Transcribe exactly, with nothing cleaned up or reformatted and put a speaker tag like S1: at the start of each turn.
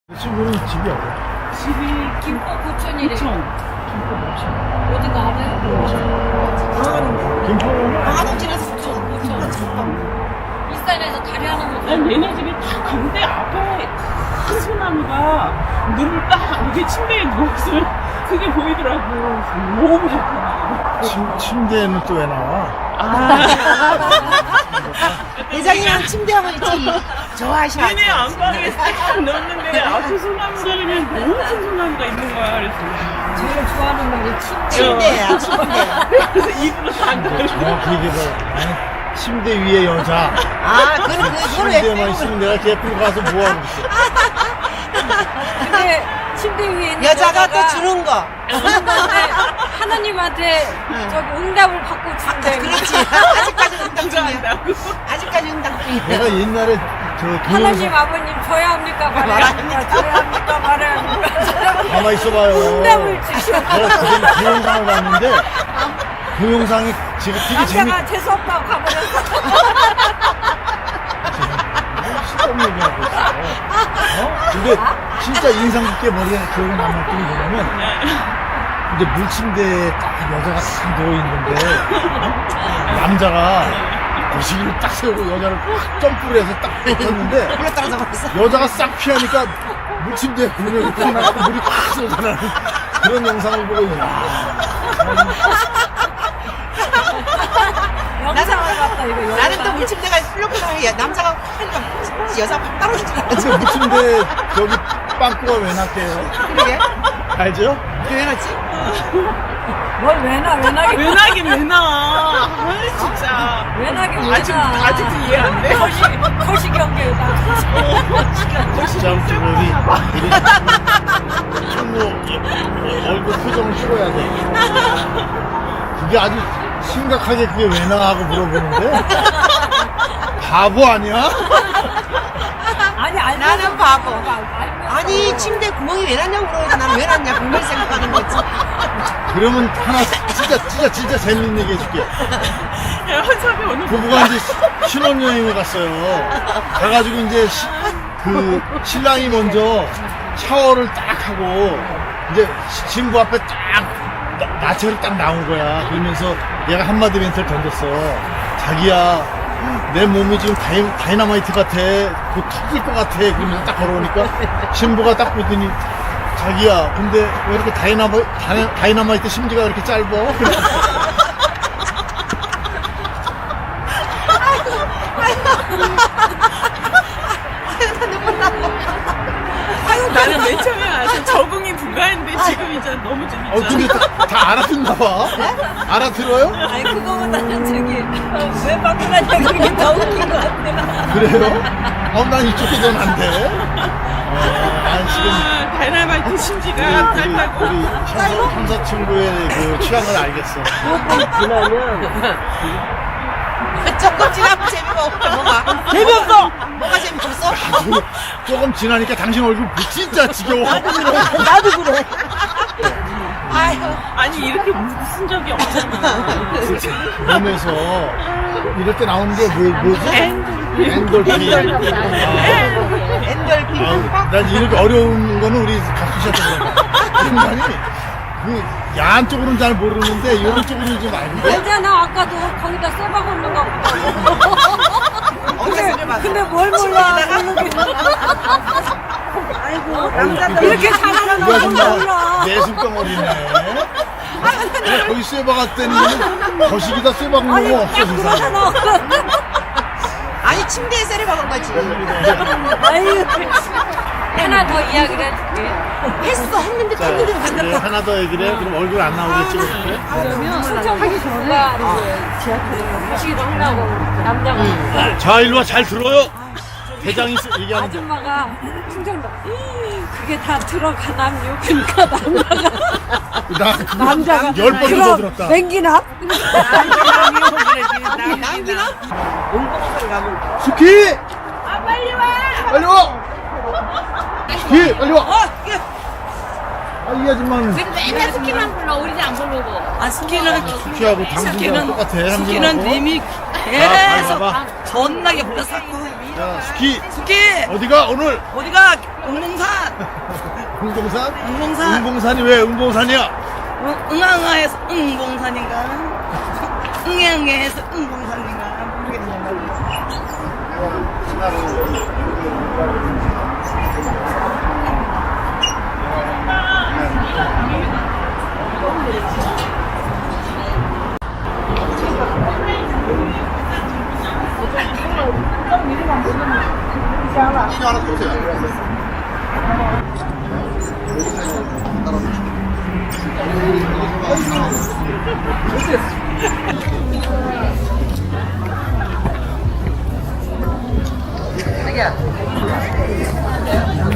S1: 친구는 집이 어디?
S2: 집이
S3: 김포 고천이래.
S2: 고천.
S3: 김포 고천. 어딘가 알아요?
S1: 김포?
S3: 방아동집에서 고천. 고천. 일산에서 다리 하나 못
S2: 아니, 얘네 집이 딱 가는데 앞에 큰 소나무가 눈을 딱 이렇게 침대에 누워있으면 그게 보이더라고. 너무 좋더라고.
S1: 침, 침대에는 또 왜 나와?
S2: 아,
S4: 대장이랑 침대하고 있지. 좋아하시나?
S2: 얘네 안방에 딱 넣었는데 앞에 소나무가 그냥 너무 큰 소나무가 있는 거야. 그래서.
S3: 제일 좋아하는 말이 침대.
S4: 침대야, 침대.
S2: 그래서 입으로 다 넣어.
S1: 정확히 얘기해서 아니, 침대 위에 여자.
S4: 아, 그, 그, 그걸 왜
S1: 침대에만
S4: 빼고
S1: 있으면 내가 개뿔 가서 뭐하고 있어.
S3: 근데 침대 위에 있는
S4: 여자가
S3: 여자가
S4: 또 주는 거.
S3: 하나님한테, 하나님한테 저기 응답을 받고
S4: 아,
S3: 준대.
S4: 그렇지. 아직까지 응답 중이야.
S2: 한다고.
S4: 아직까지 응답 중이야.
S1: 내가 옛날에 저
S3: 하나님
S1: 동영상
S3: 아버님 저야 합니까 말아야 합니까 저야 합니까 말아야 합니까
S1: 가만 있어봐요.
S3: 응답을 주시오.
S1: 내가 그 동영상을 봤는데 그 영상이 제가 되게 재밌.
S3: 남자가 재수없다고 가버렸어.
S1: 시험 얘기하고 있어. 어? 근데 진짜 인상 깊게 머리에 기억에 남았던 게 뭐냐면 이제 물침대에 딱 여자가 딱 누워있는데 남자가 거시기를 딱 세우고 여자를 확 점프를 해서 딱 뱉었는데
S4: 물에 떨어져 버렸어.
S1: 여자가 싹 피하니까 물침대에 구멍이 딱 나고 물이 딱 쏟아나는 그런 영상을 보고 이야
S3: 영상을 봤다 이거 영상.
S4: 나는 또 물침대가 풀렁풀렁해. 남자가 하니까 여자가 확 떨어진 줄 알았지.
S1: 근데 물침대 저기 빵꾸가 왜 났대요?
S4: 그러게.
S1: 알죠?
S4: 왜 났지?
S3: 뭘 왜나 왜나게
S2: 왜 나긴 왜 나. 아, 진짜.
S3: 왜나게 왜나.
S2: 아직, 아직도 이해 안 돼.
S3: 거시 거시 경계다.
S1: 진짜 우리 우리 친구 얼굴 표정을 찍어야 돼. 그게 아주 심각하게 그게 왜 나하고 물어보는데 바보 아니야?
S3: 아니 알고
S4: 나는 바보.
S3: 알고
S4: 아니, 침대 구멍이 왜 났냐고 물어보니까 나는 왜 났냐. 분명히 생각하는 거지.
S1: 그러면 하나 진짜 진짜 진짜 재밌는 얘기 해줄게.
S2: 야, 현섭이 오늘
S1: 부부가 이제 신혼여행을 갔어요. 가가지고 이제 시, 그 신랑이 먼저 샤워를 딱 하고 이제 시- 신부 앞에 딱 나- 나체로 딱 나온 거야. 그러면서 얘가 한마디 멘트를 던졌어. 자기야, 내 몸이 지금 다이, 다이나마이트 같아. 곧 터질 것 같아. 그러면서 딱 걸어오니까 신부가 딱 보더니 자기야, 근데 왜 이렇게 다이나마, 다이, 다이나마이트 심지가 이렇게 짧아?
S2: 나는 맨 처음에 와서 적응이 불가했는데 지금 이제 너무 재밌잖아.
S1: 어, 근데 다, 다 알아듣나 봐? 알아들어요?
S3: 아니 그거보다는 저기 어, 왜 바꾸라냐 그게 더 웃긴 것 같아.
S1: 그래요? 어, 난 이쪽이 더 난데? 어, 난 지금
S2: 아, 다이나마이트
S1: 우리,
S2: 심지가
S1: 우리,
S2: 짧다고.
S1: 우리 형사, 형사 친구의 그 취향을 알겠어.
S4: 조금 지나면 재미가 없어. 뭐가?
S2: 재미없어!
S4: 뭐가 재미없어?
S1: 조금, 조금 지나니까 당신 얼굴 진짜 지겨워.
S4: 나도 그래. 아유.
S2: 아니, 이렇게 무슨 적이 없잖아. 진짜.
S1: 몸에서 이럴 때 나오는 게 뭐, 뭐지?
S2: 엔돌핀.
S1: 엔돌핀.
S4: 엔돌핀
S1: 아,
S4: 팡팡.
S1: 난 이렇게 어려운 거는 우리 각수씨한테 그런 거. 인간이 그 야한 쪽으로는 잘 모르는데 이런 쪽으로는 좀 알는데.
S3: 알잖아 아까도 거기다 쇠박 올는 거 보고.
S4: 어디서 해봐.
S3: 근데 뭘 몰라 모르겠어.
S4: 아이고, 남자들.
S3: 이렇게 잘하는
S1: 누가
S3: 거
S1: 정말
S3: 몰라.
S1: 내숭덩어리네. 내가 거기 쇠박 갔더니 거시기다 쇠박
S3: 아니
S1: 먹는 거
S3: 딱
S1: 없어 세상에.
S3: 그러잖아.
S4: 아니, 침대에 쇠를 박은 거지.
S3: 아유 하나 더 이야기를 해줄게.
S4: 했어, 했는데
S1: 자,
S4: 했는데
S1: 이제
S4: 반갑다.
S1: 하나 더 얘기를 해. 그럼 얼굴 안 나오게 찍어줄게.
S3: 그러면 순천하기 전에 지하철에 가시기도 하려고 남자가
S1: 자, 일로 와. 잘 들어요. 대장이 쓰- 얘기하는 거.
S3: 아줌마가 충청도 그게 다 들어가남요. 그러니까 남자가
S1: 나 그거
S3: 남자가
S1: 열 번도 더
S3: 그럼
S1: 들었다.
S3: 맹기나?
S4: 남기나? 용봉을 가면.
S1: 스키! 아, 빨리 와! 빨리 와! 스키! 빨리 와! 아, 이 아줌마는
S5: 맨날 스키만 불러 우리 안 부르고
S2: 아, 스키는,
S1: 스키하고 당신이랑 똑같아.
S2: 스키는
S1: 당신하고.
S2: 이미
S1: 자, 잘
S2: 계속
S1: 봐봐.
S3: 존나게 불렀었고.
S1: 자, 스키
S3: 스키
S1: 어디가 오늘?
S3: 어디가 응봉산
S1: 응봉산?
S3: 응봉산
S1: 응봉산이 왜 응봉산이야?
S3: 응, 응아응아해서 응봉산인가 응애응애해서 응봉산인가 모르겠네.
S1: 이거 하나 쏘세요.
S3: 자기야